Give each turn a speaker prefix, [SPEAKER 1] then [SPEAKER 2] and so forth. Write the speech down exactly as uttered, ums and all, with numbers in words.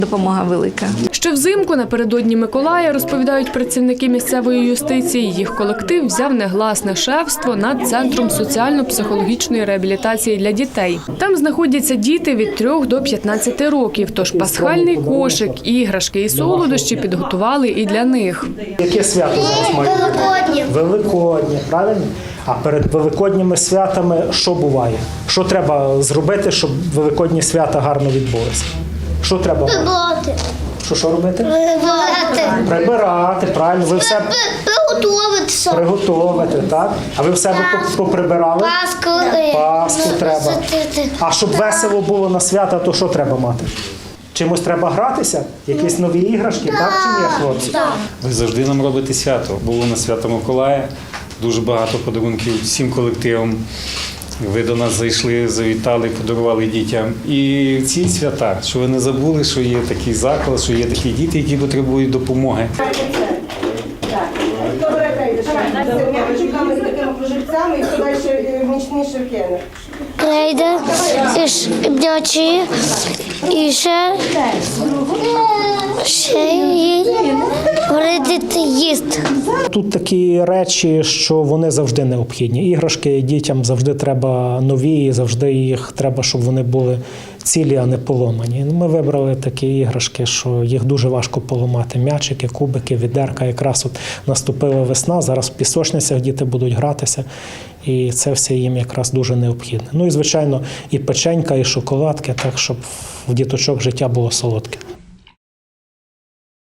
[SPEAKER 1] Допомога велика.
[SPEAKER 2] Ще взимку напередодні Миколая, розповідають працівники місцевої юстиції, їх колектив взяв негласне шефство над Центром соціально-психологічної реабілітації для дітей. Там знаходяться діти від трьох до п'ятнадцяти років, тож пасхальний кошик, іграшки і солодощі підготували і для них.
[SPEAKER 3] Яке свято зараз має?
[SPEAKER 4] Великодні.
[SPEAKER 3] Великоднє, правильно? А перед великодніми святами що буває? Що треба зробити, щоб великодні свята гарно відбулися? Що треба робити?
[SPEAKER 4] Прибрати.
[SPEAKER 3] Що, що робити?
[SPEAKER 4] Прибрати.
[SPEAKER 3] Прибирати, правильно. Ви все
[SPEAKER 4] Приготуватися.
[SPEAKER 3] приготувати, так? А ви в себе поприбирали?
[SPEAKER 4] Паску.
[SPEAKER 3] Паску треба. А щоб весело було на свята, то що треба мати? Чимось треба гратися? Якісь нові іграшки, так чи ні, хлопці?
[SPEAKER 5] Ви завжди нам робите свято. Було на свято Миколая, дуже багато подарунків всім колективам. Ви до нас зайшли, завітали, подарували дітям. І ці свята, що ви не забули, що є такий заклад, що є такі діти, які потребують допомоги.
[SPEAKER 6] М'ячиками з такими кружельцями і туди ще мічні ширкени.
[SPEAKER 4] Крейда, м'ячі і ще, ще й вредити їсти.
[SPEAKER 3] Тут такі речі, що вони завжди необхідні. Іграшки дітям завжди треба нові, і завжди їх треба, щоб вони були цілі, а не поломані. Ми вибрали такі іграшки, що їх дуже важко поламати. М'ячики, кубики, відерка. Якраз от наступила весна, зараз в пісочницях діти будуть гратися. І це все їм якраз дуже необхідне. Ну і, звичайно, і печенька, і шоколадки, так, щоб в діточок життя було солодке.